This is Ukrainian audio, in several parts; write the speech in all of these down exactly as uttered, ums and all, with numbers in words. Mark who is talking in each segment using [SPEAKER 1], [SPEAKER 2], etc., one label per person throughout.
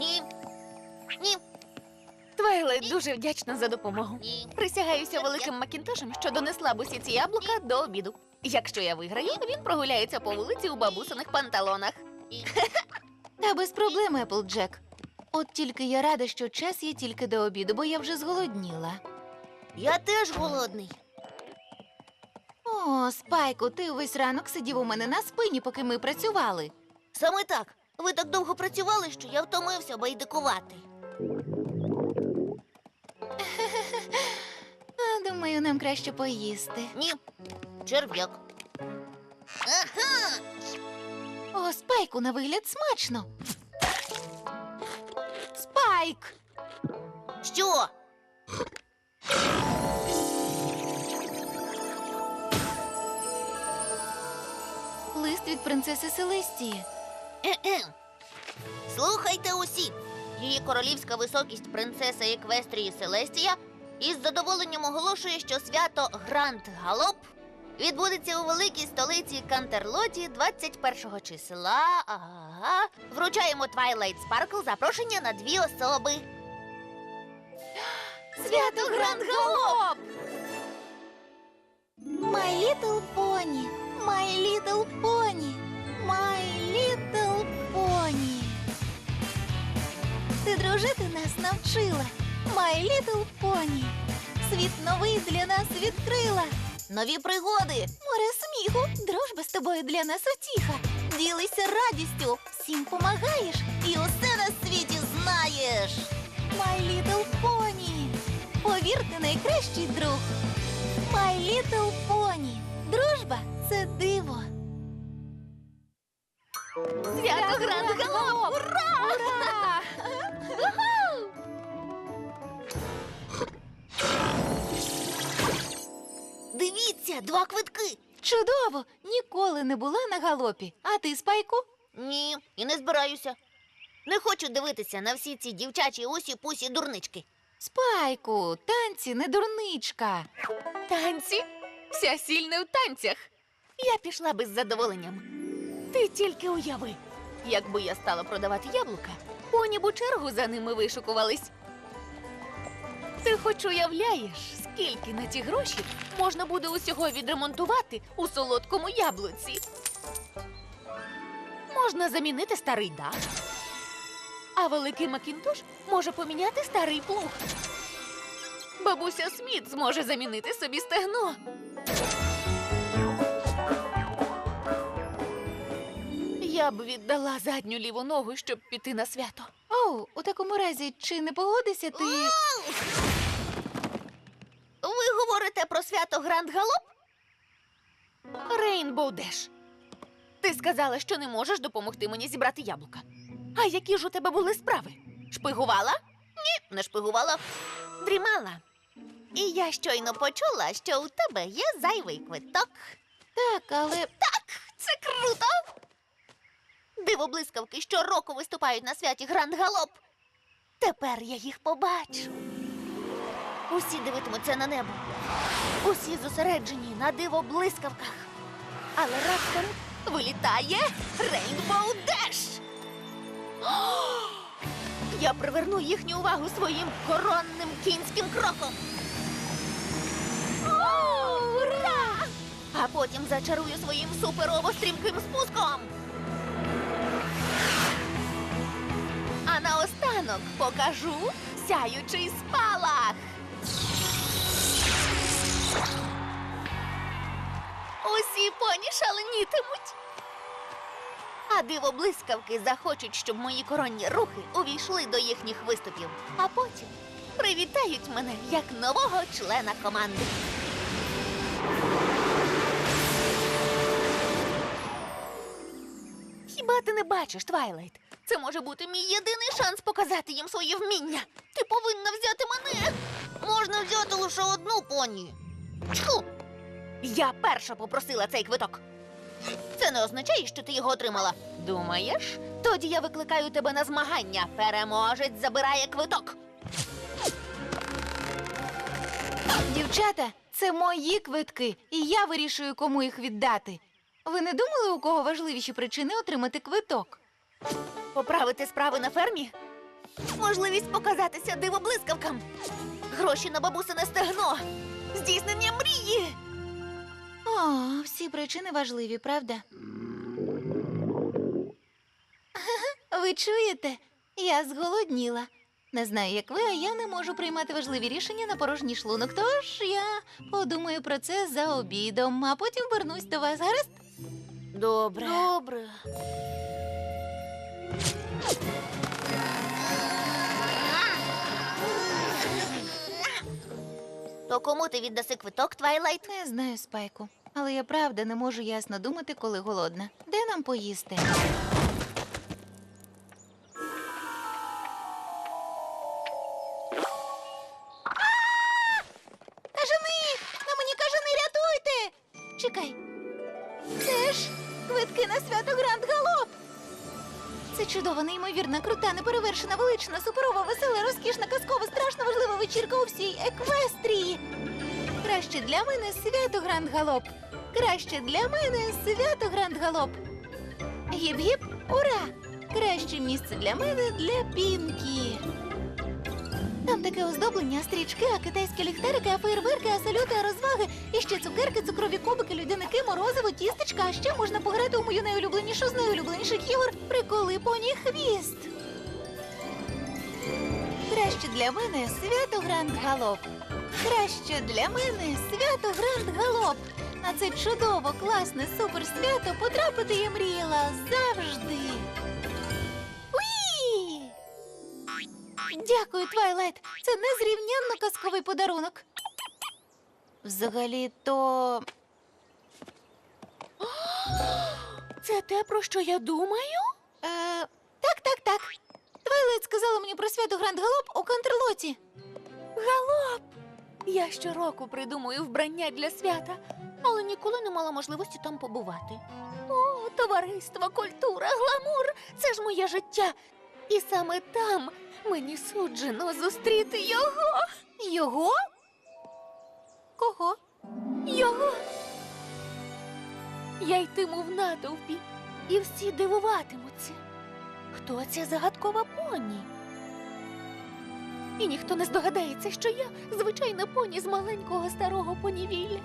[SPEAKER 1] Ні. Ні.
[SPEAKER 2] Твайлайт дуже вдячна за допомогу.
[SPEAKER 1] Ні.
[SPEAKER 2] Присягаюся великим Макінтошем, що донесла б усі ці яблука до обіду. Якщо я виграю, він прогуляється по вулиці у бабусиних панталонах.
[SPEAKER 3] Та без проблем, Еплджек. От тільки я рада, що час є тільки до обіду, бо я вже зголодніла.
[SPEAKER 1] Я теж голодний.
[SPEAKER 3] О, Спайку, ти увесь ранок сидів у мене на спині, поки ми працювали.
[SPEAKER 1] Саме так. Ви так довго працювали, що я втомився байдикувати.
[SPEAKER 3] А, думаю, нам краще поїсти.
[SPEAKER 1] Ні. Черв'як. Ага!
[SPEAKER 3] О, Спайку, на вигляд смачно. Спайк!
[SPEAKER 1] Що?
[SPEAKER 3] Лист від принцеси Селестії.
[SPEAKER 1] Е-е. Слухайте усі. Її королівська високість принцеса Еквестрії Селестія із задоволенням оголошує, що свято Гранд Галоп відбудеться у великій столиці Кантерлоті двадцять першого числа. Ага. Вручаємо Твайлайт Спаркл запрошення на дві особи.
[SPEAKER 3] Свято Гранд Галоп! My little pony, my little pony, my little pony. Ти дружити нас навчила, my little pony. Світ новий для нас відкрила.
[SPEAKER 1] Нові пригоди.
[SPEAKER 3] Море сміху, дружба з тобою для нас утіха. Ділися радістю, всім помагаєш
[SPEAKER 1] І усе на світі знаєш.
[SPEAKER 3] My little pony. Повірте, найкращий друг. My little pony. Дружба – це диво.
[SPEAKER 2] Свято Гранд Галоп! Ура!
[SPEAKER 3] Ура!
[SPEAKER 1] Дивіться, два квитки.
[SPEAKER 3] Чудово! Ніколи не була на галопі. А ти, Спайку?
[SPEAKER 1] Ні, і не збираюся. Не хочу дивитися на всі ці дівчачі усі-пусі дурнички.
[SPEAKER 3] Спайку, танці не дурничка.
[SPEAKER 2] Танці? Вся сіль не в танцях. Я пішла би з задоволенням. Ти тільки уяви, якби я стала продавати яблука, поні б у чергу за ними вишукувались. Ти хоч уявляєш, скільки на ті гроші можна буде усього відремонтувати у солодкому яблуці? Можна замінити старий дах, а великий Макінтош може поміняти старий плуг. Бабуся Сміт зможе замінити собі стегно. Я б віддала задню ліву ногу, щоб піти на свято.
[SPEAKER 3] Оу, у такому разі, чи не погодишся ти?
[SPEAKER 1] Ви говорите про свято Гранд Галоп?
[SPEAKER 2] Рейнбоу Деш, ти сказала, що не можеш допомогти мені зібрати яблука. А які ж у тебе були справи? Шпигувала?
[SPEAKER 1] Ні, не шпигувала.
[SPEAKER 2] Дрімала?
[SPEAKER 1] І я щойно почула, що у тебе є зайвий квиток.
[SPEAKER 3] Так, але
[SPEAKER 1] Так, це круто! Диво-блискавки щороку виступають на святі Гранд Галоп. Тепер я їх побачу. Усі дивитимуться на небо. Усі зосереджені на диво-блискавках. Але раптом вилітає Рейнбоу Деш.
[SPEAKER 2] Я приверну їхню увагу своїм
[SPEAKER 1] Коронним кінським кроком.
[SPEAKER 2] ура!
[SPEAKER 1] А потім зачарую своїм суперово-стрімким спуском.
[SPEAKER 2] А наостанок покажу сяючий спалах. Усі поні шаленітимуть.
[SPEAKER 1] А диво-блискавки захочуть, щоб мої коронні рухи увійшли до їхніх виступів. А потім привітають мене як нового члена команди.
[SPEAKER 2] Хіба ти не бачиш, Твайлайт? Це може бути мій єдиний шанс показати їм своє вміння.
[SPEAKER 1] Ти повинна взяти мене. Можна взяти лише одну поні. Чху!
[SPEAKER 2] Я перша попросила цей квиток.
[SPEAKER 1] Це не означає, що ти його отримала.
[SPEAKER 2] Думаєш?
[SPEAKER 1] Тоді я викликаю тебе на змагання. Переможець забирає квиток.
[SPEAKER 3] дівчата, це мої квитки, і я вирішую, кому їх віддати. Ви не думали, у кого важливіші причини отримати квиток?
[SPEAKER 2] Поправити справи на фермі? Можливість показатися дивоблискавкам. Гроші на бабусине стегно. Здійснення мрії.
[SPEAKER 3] О, всі причини важливі, правда? Ви чуєте? Я зголодніла. Не знаю, як ви, а я не можу приймати важливі рішення на порожній шлунок. Тож я подумаю про це за обідом, а потім вернусь до вас. Гаразд?
[SPEAKER 2] Добре.
[SPEAKER 1] Добре. То кому ти віддаси квиток, Твайлайт?
[SPEAKER 3] Не знаю, Спайку. Але я правда не можу ясно думати, коли голодна. Де нам поїсти? Кажани! На мені кажани, рятуйте! Чекай. Це ж квитки на свято Гранд Галоп. Це чудова, неймовірна, крута, неперевершена, велична, суперова, весела, розкішна, казкова, страшно важлива вечірка у всій Еквестрії. Краще для мене свято Гранд Галоп. Краще для мене свято Гранд Галоп. Гіп-гіп, ура! Краще місце для мене для Пінкі. Там таке оздоблення, стрічки, а китайські ліхтарики, а феєрверки, а салюти, а розваги. І ще цукерки, цукрові кубики, людяники, морозиво, тістечка. А ще можна пограти у мою найулюбленішу з найулюбленіших ігор «Приколи поні хвіст». Краще для мене свято Гранд Галоп. Краще для мене свято Гранд Галоп. На це чудово, класне, суперсвято потрапити я мріяла завжди. Уї! Дякую, Твайлайт. Це незрівнянно казковий подарунок. Взагалі-то...
[SPEAKER 2] Це те, про що я думаю?
[SPEAKER 3] Е, так, так, так. Твайлайт сказала мені про свято Гранд Галоп у Кантерлоті.
[SPEAKER 2] Галоп! Я щороку придумую вбрання для свята, але ніколи не мала можливості там побувати. О, товариство, культура, гламур – це ж моє життя. І саме там мені суджено зустріти його.
[SPEAKER 3] Його? Кого?
[SPEAKER 2] Його. Я йтиму в натовпі, і всі дивуватимуться. Хто ця загадкова поні? І ніхто не здогадається, що я звичайна поні з маленького старого понівілля.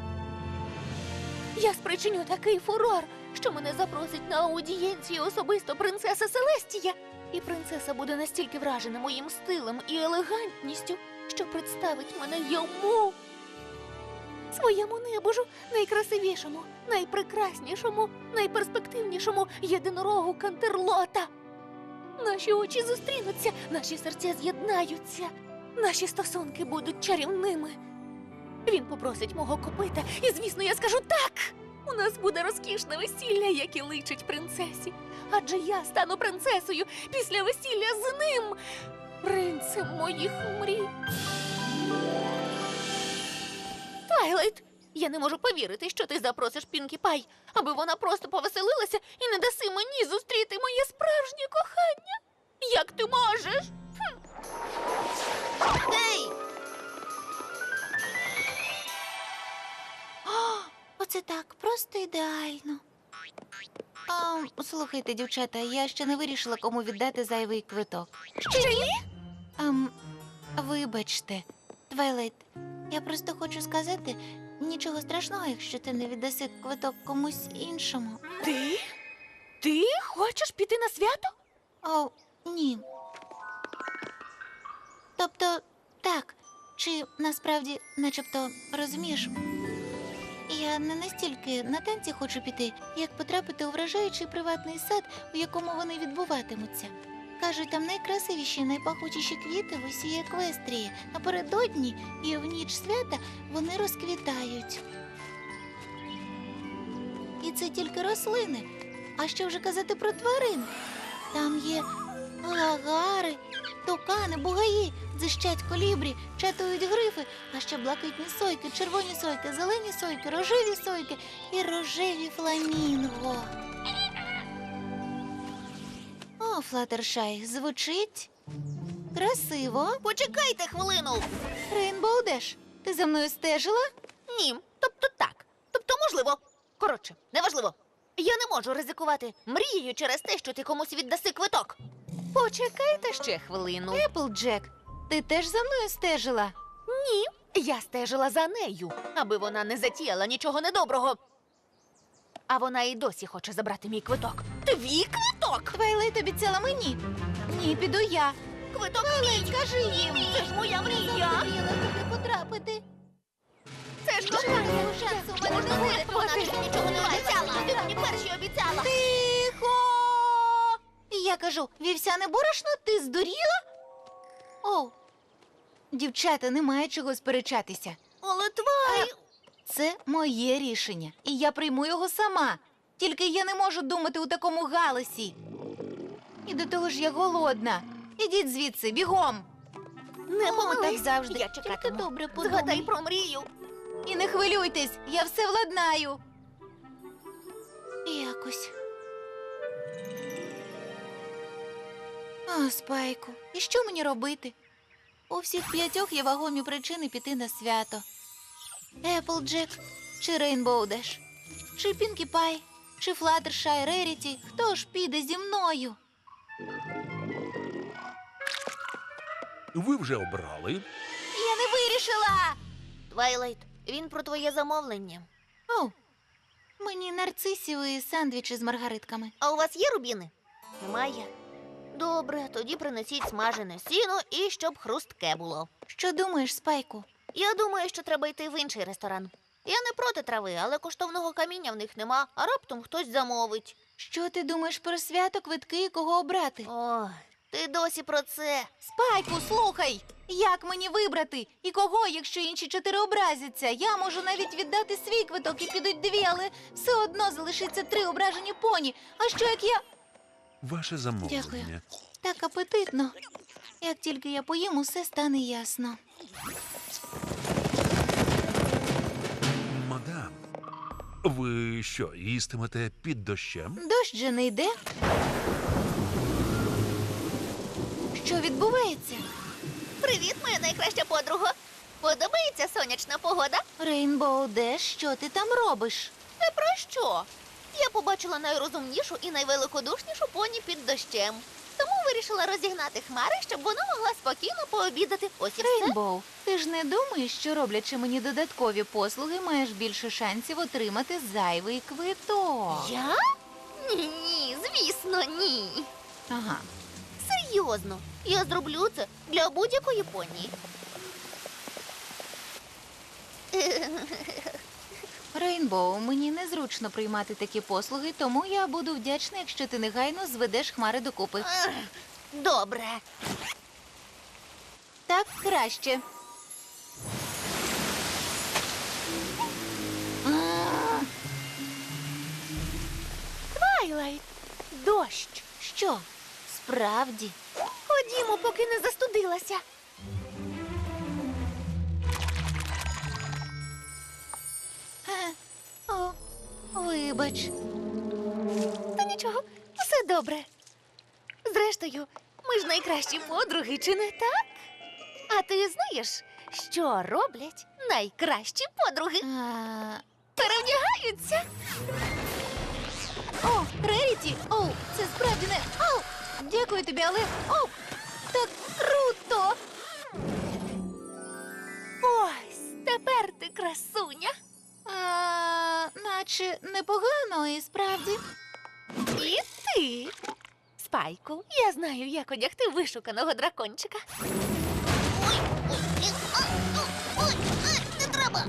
[SPEAKER 2] Я спричиню такий фурор, що мене запросить на аудієнцію особисто принцеса Селестія. І принцеса буде настільки вражена моїм стилем і елегантністю, що представить мене йому. Своєму небожу, найкрасивішому, найпрекраснішому, найперспективнішому єдинорогу Кантерлота. Наші очі зустрінуться, наші серця з'єднаються, наші стосунки будуть чарівними. Він попросить мого копита, і, звісно, я скажу так. У нас буде розкішне весілля, яке личить принцесі. Адже я стану принцесою після весілля з ним, принцем моїх мрій. Твайлайт, я не можу повірити, що ти запросиш Пінкі Пай, аби вона просто повеселилася і не даси мені зустріти моє справжнє кохання. Як ти можеш? Хм.
[SPEAKER 1] Гей!
[SPEAKER 3] О, оце так, просто ідеально. А, слухайте, дівчата, я ще не вирішила, кому віддати зайвий квиток.
[SPEAKER 2] Ще ні?
[SPEAKER 3] Ам, вибачте, Твайлайт, я просто хочу сказати, нічого страшного, якщо ти не віддаси квиток комусь іншому.
[SPEAKER 2] Ти? Ти хочеш піти на свято?
[SPEAKER 3] О, ні. Тобто, так, чи насправді, начебто, розумієш, я не настільки на танці хочу піти, як потрапити у вражаючий приватний сад, у якому вони відбуватимуться. Кажуть, там найкрасивіші, найпахучіші квіти в усій Еквестрії. Напередодні і в ніч свята вони розквітають. І це тільки рослини. А що вже казати про тварин? Там є гагари, тукани, бугаї, дзищать колібрі, чатують грифи, а ще блакитні сойки, червоні сойки, зелені сойки, рожеві сойки і рожеві фламінго. О, Флаттершай, звучить красиво.
[SPEAKER 1] Почекайте хвилину.
[SPEAKER 3] Рейнбоу Деш, ти за мною стежила?
[SPEAKER 1] Ні, тобто так. Тобто можливо. Коротше, неважливо. Я не можу ризикувати мрією через те, що ти комусь віддаси квиток.
[SPEAKER 2] Почекайте ще хвилину.
[SPEAKER 3] Еплджек, ти теж за мною стежила?
[SPEAKER 2] Ні, я стежила за нею, аби вона не затіяла нічого недоброго. А вона і досі хоче забрати мій квиток. Твій квиток!
[SPEAKER 3] Твайлайт обіцяла мені. Ні, піду я.
[SPEAKER 2] Квиток мій!
[SPEAKER 3] Скажи їм.
[SPEAKER 2] Це ж моя мрія!
[SPEAKER 3] Захотіла туди потрапити.
[SPEAKER 2] Це ж
[SPEAKER 3] Жодного
[SPEAKER 2] кохання!
[SPEAKER 3] шансу в мене
[SPEAKER 2] Можна
[SPEAKER 3] не буде.
[SPEAKER 2] вирятувати.
[SPEAKER 1] Вона тобі нічого не обіцяла. Ти мені перші обіцяла.
[SPEAKER 3] Тихо! Я кажу, вівсяне борошно, ти здуріла? О, дівчата, немає чого сперечатися.
[SPEAKER 1] Але Твай...
[SPEAKER 3] Це моє рішення, і я прийму його сама. Тільки я не можу думати у такому галасі. І до того ж я голодна. Ідіть звідси, бігом.
[SPEAKER 2] Не
[SPEAKER 3] О,
[SPEAKER 2] помились.
[SPEAKER 3] так завжди.
[SPEAKER 2] Я
[SPEAKER 3] Тільки
[SPEAKER 2] чекатиму.
[SPEAKER 3] добре подумай.
[SPEAKER 2] Згадай про мрію.
[SPEAKER 3] І не хвилюйтесь, я все владнаю. Якось. О, Спайку, і що мені робити? У всіх п'ятьох є вагомі причини піти на свято. Еплджек, чи Рейнбоу Деш, чи Пінкі Пай, чи Флаттершай Реріті. Хто ж піде зі мною?
[SPEAKER 4] Ви вже обрали?
[SPEAKER 3] Я не вирішила!
[SPEAKER 1] Твайлайт, він про твоє замовлення.
[SPEAKER 3] О, мені нарцисів і сандвічі з маргаритками.
[SPEAKER 1] А у вас є рубіни? Немає. Добре, тоді принесіть смажене сіно і щоб хрустке було.
[SPEAKER 3] Що думаєш, Спайку?
[SPEAKER 1] Я думаю, що треба йти в інший ресторан. Я не проти трави, але коштовного каміння в них нема, а раптом хтось замовить.
[SPEAKER 3] Що ти думаєш про свято, квитки і кого обрати?
[SPEAKER 1] О, ти досі про це.
[SPEAKER 3] Спайку, слухай! Як мені вибрати? І кого, якщо інші чотири образяться? Я можу навіть віддати свій квиток і підуть дві, але все одно залишиться три ображені поні. А що як я...
[SPEAKER 4] Ваше замовлення.
[SPEAKER 3] Дякую. Так апетитно. Як тільки я поїм, усе стане ясно.
[SPEAKER 4] Мадам, ви що, їстимете під дощем?
[SPEAKER 3] Дощ же не йде. Що відбувається?
[SPEAKER 1] Привіт, моя найкраща подруга. Подобається сонячна погода?
[SPEAKER 3] Рейнбоу Деш, що ти там робиш?
[SPEAKER 1] Та про що? Я побачила найрозумнішу і найвеликодушнішу поні під дощем. Тому вирішила розігнати хмари, щоб вона могла спокійно пообідати. Ось і все.
[SPEAKER 3] Рейнбоу, ти ж не думаєш, що роблячи мені додаткові послуги, маєш більше шансів отримати зайвий квиток?
[SPEAKER 1] Я? Ні, ні, звісно, ні.
[SPEAKER 3] Ага.
[SPEAKER 1] Серйозно, я зроблю це для будь-якої поні.
[SPEAKER 3] Рейнбоу, мені незручно приймати такі послуги, тому я буду вдячна, якщо ти негайно зведеш хмари докупи.
[SPEAKER 1] Ех, Добре.
[SPEAKER 3] Так краще. А,
[SPEAKER 2] Твайлайт, дощ.
[SPEAKER 3] Що? Справді?
[SPEAKER 2] Ходімо, поки не застудилася.
[SPEAKER 3] Е, О, вибач.
[SPEAKER 2] Та нічого, все добре. Зрештою, ми ж найкращі подруги, чи не так? А ти знаєш, що роблять найкращі подруги?
[SPEAKER 3] А,
[SPEAKER 2] Перевдягаються.
[SPEAKER 3] О, Реріті! О, це справді не... О, дякую тобі, але... О, так круто!
[SPEAKER 2] Ось, тепер ти красуня.
[SPEAKER 3] А, наче непогано і справді.
[SPEAKER 2] І ти. Спайку, я знаю, як одягти вишуканого дракончика.
[SPEAKER 1] Ой, ой, е, а, о, ой, ай, не треба.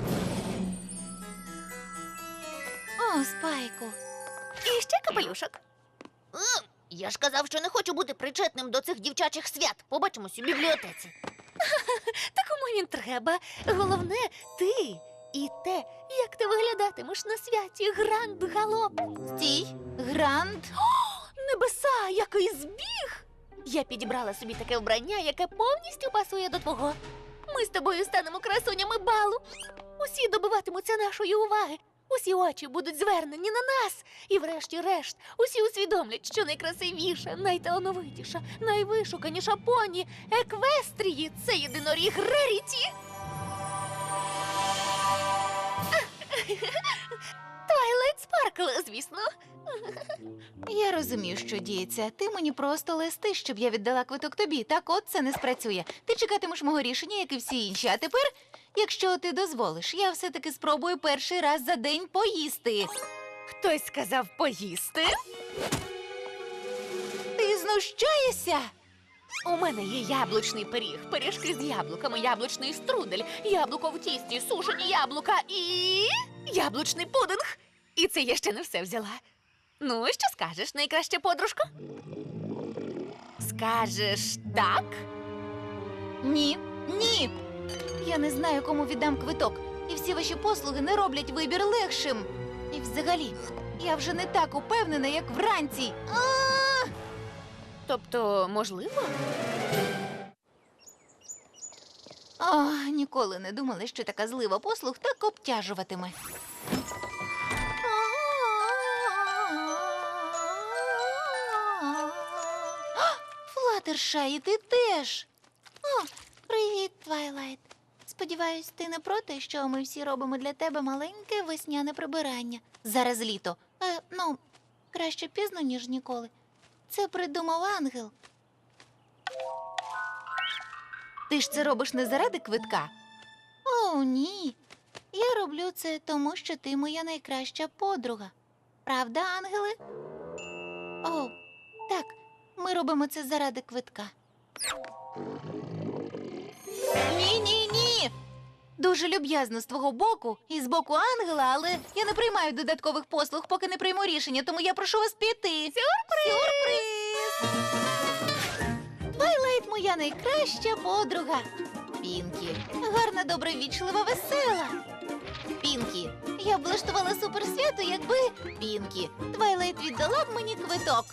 [SPEAKER 3] О, Спайку.
[SPEAKER 2] І ще капелюшок.
[SPEAKER 1] Е, Я ж казав, що не хочу бути причетним до цих дівчачих свят. Побачимось у бібліотеці.
[SPEAKER 2] Та кому він треба? Головне, ти і те, як ти виглядатимеш на святі Гранд Галоп.
[SPEAKER 3] Стій, Гранд.
[SPEAKER 2] Небеса, який збіг! Я підібрала собі таке вбрання, яке повністю пасує до твого. Ми з тобою станемо красунями балу. Усі добиватимуться нашої уваги. Усі очі будуть звернені на нас. І врешті-решт, усі усвідомлять, що найкрасивіша, найталановитіша, найвишуканіша поні Еквестрії – це єдиноріг Реріті. Твайлайт Спайк. Спаркл, звісно.
[SPEAKER 3] Я розумію, що діється. Ти мені просто листиш, щоб я віддала квиток тобі. Так от це не спрацює. Ти чекатимеш мого рішення, як і всі інші. А тепер, якщо ти дозволиш, я все-таки спробую перший раз за день поїсти.
[SPEAKER 2] Хтось сказав поїсти.
[SPEAKER 3] Ти знущаєшся?
[SPEAKER 2] У мене є яблучний пиріг, пиріжки з яблуками, яблучний струдель, яблуко в тісті, сушені яблука і яблучний пудинг. І це я ще не все взяла. Ну, що скажеш, найкраща подружко? Скажеш так?
[SPEAKER 3] Ні, ні. Я не знаю, кому віддам квиток. І всі ваші послуги не роблять вибір легшим. І взагалі, я вже не так упевнена, як вранці. А!
[SPEAKER 2] Тобто, можливо?
[SPEAKER 3] О, ніколи не думала, що така злива послуг так обтяжуватиме. Флаттершай, і ти теж. О, привіт, Твайлайт. Сподіваюсь, ти не проти, що ми всі робимо для тебе маленьке весняне прибирання. Зараз літо. Е, ну, краще пізно, ніж ніколи. Це придумав ангел. Ти ж це робиш не заради квитка? О, ні. Я роблю це тому, що ти моя найкраща подруга. Правда, ангели? О, так, ми робимо це заради квитка. Ні, ні, ні. Дуже люб'язно з твого боку і з боку ангела, але я не приймаю додаткових послуг, поки не прийму рішення, тому я прошу вас піти. Сюрприз! Сюрприз! Твайлайт моя найкраща подруга. Пінкі. Гарна, добровічлива, весела. Пінкі. Я б влаштувала суперсвято, якби... Пінкі. Твайлайт віддала б мені квиток.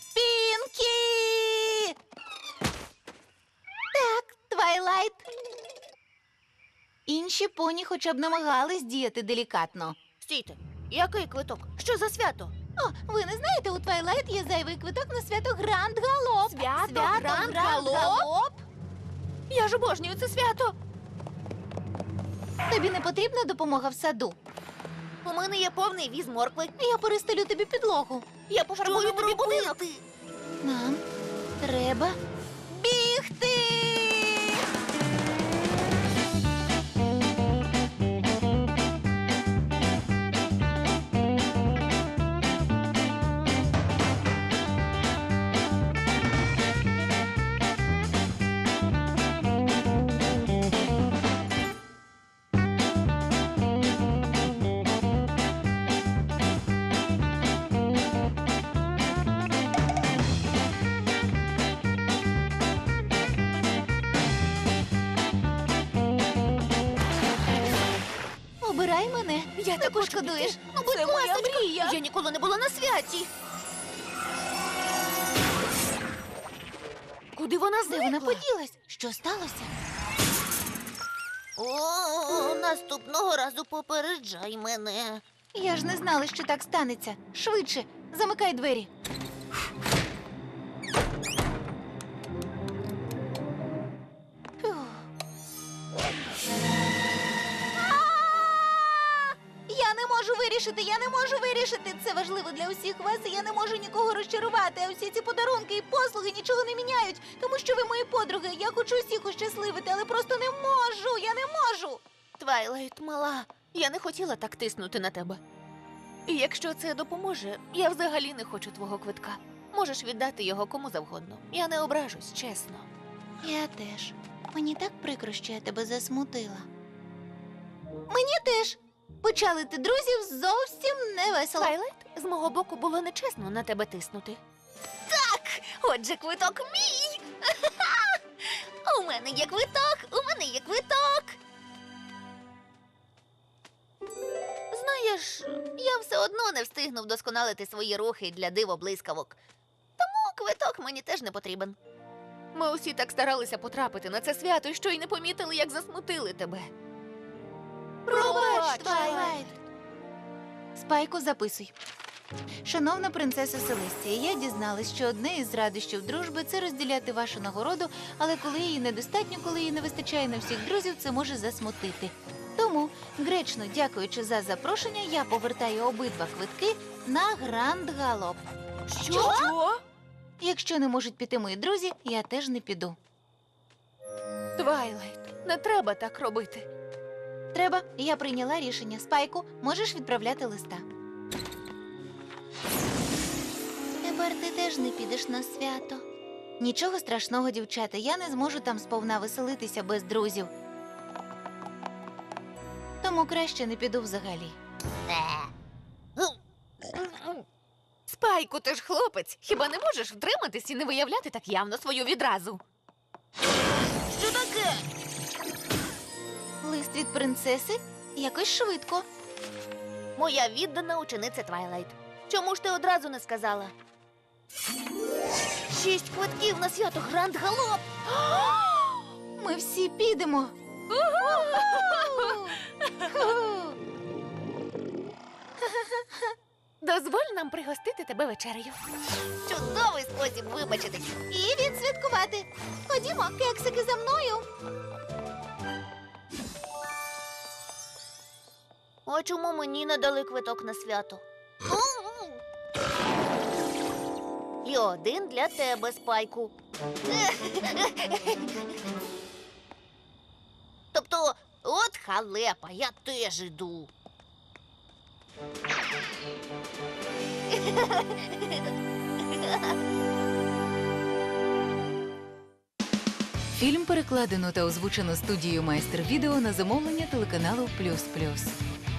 [SPEAKER 3] Пінкі! Так, Твайлайт. Інші поні хоча б намагались діяти делікатно.
[SPEAKER 1] Стійте, який квиток? Що за свято?
[SPEAKER 3] О, ви не знаєте, у Твайлайт є зайвий квиток на свято Гранд Галоп.
[SPEAKER 2] Свято Гранд Галоп? Я ж обожнюю це свято.
[SPEAKER 3] Тобі не потрібна допомога в саду?
[SPEAKER 1] У мене є повний віз моркви.
[SPEAKER 3] Я перестелю тобі підлогу.
[SPEAKER 2] Я пофарбую тобі будинок.
[SPEAKER 3] Нам треба бігти. Обирай мене.
[SPEAKER 2] Я
[SPEAKER 3] не
[SPEAKER 2] так хочу
[SPEAKER 3] пошкодуєш.
[SPEAKER 2] піти.
[SPEAKER 3] Ну, будь
[SPEAKER 2] Це моя
[SPEAKER 3] ласочка.
[SPEAKER 2] мрія.
[SPEAKER 1] Я ніколи не була на святі.
[SPEAKER 2] Куди вона
[SPEAKER 3] Де
[SPEAKER 2] зникла?
[SPEAKER 3] вона поділась? Що сталося?
[SPEAKER 1] О, наступного разу попереджай мене.
[SPEAKER 3] Я ж не знала, що так станеться. Швидше, замикай двері. Фух. А! Я не можу вирішити, я не можу вирішити. Це важливо для усіх вас, і я не можу нікого розчарувати. А усі ці подарунки і послуги нічого не міняють, тому що ви мої подруги. Я хочу усіх ощасливити, але просто не можу. Я не можу.
[SPEAKER 2] Твайлайт, мала, я не хотіла так тиснути на тебе. І якщо це допоможе, я взагалі не хочу твого квитка. Можеш віддати його кому завгодно. Я не ображусь, чесно.
[SPEAKER 3] Я теж. Мені так прикро, що я тебе засмутила. Мені теж. Почалити друзів зовсім не весело.
[SPEAKER 2] Твайлайт, з мого боку було нечесно на тебе тиснути. Так, отже, квиток мій.
[SPEAKER 1] У мене є квиток, у мене є квиток. Знаєш, я все одно не встигну вдосконалити свої рухи для дивоблискавок. Тому квиток мені теж не потрібен.
[SPEAKER 2] Ми усі так старалися потрапити на це свято, що й не помітили, як засмутили тебе.
[SPEAKER 3] Пробач, Твайлайт. Спайку, записуй. Шановна принцеса Селестія, я дізналась, що одне із радощів дружби – це розділяти вашу нагороду, але коли її недостатньо, коли її не вистачає на всіх друзів, це може засмутити. Тому Тому, гречно дякуючи за запрошення, я повертаю обидва квитки на Гранд Галоп.
[SPEAKER 2] Що?
[SPEAKER 3] Якщо не можуть піти мої друзі, я теж не піду.
[SPEAKER 2] Твайлайт, не треба так робити.
[SPEAKER 3] Треба, я прийняла рішення. Спайку, можеш відправляти листа. Тепер ти теж не підеш на свято. Нічого страшного, дівчата, я не зможу там сповна веселитися без друзів. Тому краще не піду взагалі.
[SPEAKER 1] Е.
[SPEAKER 2] Спайку, ти ж хлопець. Хіба не можеш втриматись і не виявляти так явно свою відразу?
[SPEAKER 1] Що таке?
[SPEAKER 3] Лист від принцеси? Якось швидко.
[SPEAKER 1] Моя віддана учениця Твайлайт. Чому ж ти одразу не сказала? Шість квитків на свято Гранд Галоп!
[SPEAKER 3] Ми всі підемо.
[SPEAKER 2] Дозволь нам пригостити тебе вечерею.
[SPEAKER 1] Чудовий спосіб вибачитись.
[SPEAKER 3] І відсвяткувати. Ходімо, кексики, за мною.
[SPEAKER 1] А чому мені не дали квиток на свято? І один для тебе, Спайку. Тобто, от халепа, я теж іду.
[SPEAKER 5] Фільм перекладено та озвучено студією Майстер Відео на замовлення телеканалу Плюс Плюс.